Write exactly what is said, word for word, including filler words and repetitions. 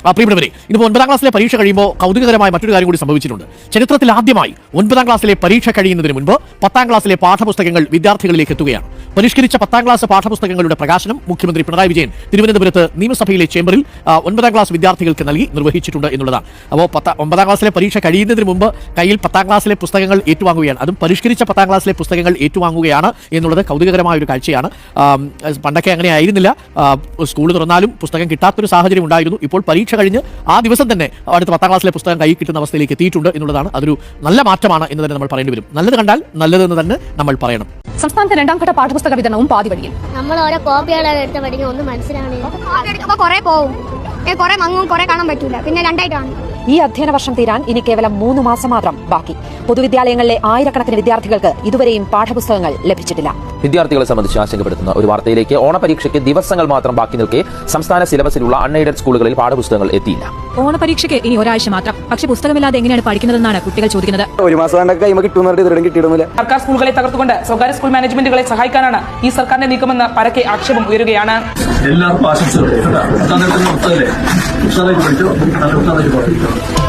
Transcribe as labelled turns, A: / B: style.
A: പ്രിയപ്പെട്ടവരെ, ഇന്നിപ്പോൾ ഒൻപതാം ക്ലാസ്സിലെ പരീക്ഷ കഴിയുമ്പോൾ കൗതുകകരമായ മറ്റൊരു കാര്യം കൂടി സംഭവിച്ചിട്ടുണ്ട്. ചരിത്രത്തിൽ ആദ്യമായി ഒൻപതാം ക്ലാസ്സിലെ പരീക്ഷ കഴിയുന്നതിന് മുൻപ് പത്താം ക്ലാസ്സിലെ പാഠപുസ്തകങ്ങൾ വിദ്യാർത്ഥികളിലേക്ക് എത്തുകയാണ്. പരിഷ്കരിച്ച പത്താം ക്ലാസ് പാഠപുസ്തകങ്ങളുടെ പ്രകാശനം മുഖ്യമന്ത്രി പിണറായി വിജയൻ തിരുവനന്തപുരത്ത് നിയമസഭയിലെ ചേംബറിൽ ഒൻപതാം ക്ലാസ് വിദ്യാർത്ഥികൾക്ക് നൽകി നിർവഹിച്ചിട്ടുണ്ട് എന്നുള്ളതാണ്. അപ്പോൾ പത്താം ഒമ്പതാം ക്ലാസ്സിലെ പരീക്ഷ കഴിയുന്നതിന് മുമ്പ് കയ്യിൽ പത്താം ക്ലാസ്സിലെ പുസ്തകങ്ങൾ ഏറ്റുവാങ്ങുകയാണ്. അതും പരിഷ്കരിച്ച പത്താം ക്ലാസ്സിലെ പുസ്തകങ്ങൾ ഏറ്റുവാങ്ങുകയാണ് എന്നുള്ളത് കൗതുകകരമായ ഒരു കാഴ്ചയാണ്. പണ്ടൊക്കെ അങ്ങനെ ആയിരുന്നില്ല. സ്കൂൾ തുറന്നാലും പുസ്തകം കിട്ടാത്തൊരു സാഹചര്യം ഉണ്ടായിരുന്നു. ഇപ്പോൾ പരീക്ഷ കഴിഞ്ഞ് ആ ദിവസം തന്നെ അടുത്ത പത്താം ക്ലാസ്സിലെ പുസ്തകം കൈ കിട്ടുന്ന അവസ്ഥയിലേക്ക് എത്തിയിട്ടുണ്ട് എന്നുള്ളതാണ്. അതൊരു നല്ല മാറ്റമാണ് എന്ന് തന്നെ നമ്മൾ പറയേണ്ടി വരും. നല്ലത് കണ്ടാൽ നല്ലതെന്ന് തന്നെ നമ്മൾ പറയണം.
B: സംസ്ഥാനത്തെ രണ്ടാം ഘട്ട പാഠപുസ്തക വിതരണവും പാതി വഴിയിൽ.
C: നമ്മൾ ഓരോ കോപ്പികളെ എടുത്ത് പഠിക്കും, ഒന്നും മനസ്സിലാവണില്ല.
D: കുറെ പോവും, കുറെ മങ്ങും, കുറെ കാണാൻ പറ്റൂല, പിന്നെ രണ്ടായിട്ടാണ്.
B: ഈ അധ്യയന വർഷം തീരാൻ ഇനി കേവലം മൂന്ന് മാസം മാത്രം ബാക്കി. പൊതുവിദ്യാലയങ്ങളിലെ ആയിരക്കണക്കിന് വിദ്യാർത്ഥികൾക്ക് ഇതുവരെയും പാഠപുസ്തകങ്ങൾ ലഭിച്ചിട്ടില്ല.
E: വിദ്യാർത്ഥികളെ സംബന്ധിച്ച് ആശങ്കപ്പെടുത്തുന്ന ഒരു വാർത്തയിലേക്ക്. ഓണപരീക്ഷയ്ക്ക് ദിവസങ്ങൾ മാത്രം ബാക്കി നിൽക്കെ സംസ്ഥാന സിലബസിലുള്ള അൺഎയ്ഡഡ് സ്കൂളുകളിൽ പാഠപുസ്തകങ്ങൾ എത്തിയില്ല.
F: ഓണപരീക്ഷയ്ക്ക് ഇനി ഒരാഴ്ച മാത്രം. പക്ഷേ പുസ്തകമില്ലാതെ എങ്ങനെയാണ് പഠിക്കുന്നതെന്നാണ് കുട്ടികൾ ചോദിക്കുന്നത്.
G: ഒരു മാസം കിട്ടുന്നില്ല.
H: സർക്കാർ സ്കൂളുകളെ തകർത്തുകൊണ്ട് സ്വകാര്യ സ്കൂൾ മാനേജ്മെന്റുകളെ സഹായിക്കാനാണ് ഈ സർക്കാരിന്റെ നീക്കമെന്ന് പരക്കെ ആക്ഷേപം ഉയരുകയാണ്.
I: എല്ലാവർക്കും ആശംസകൾ.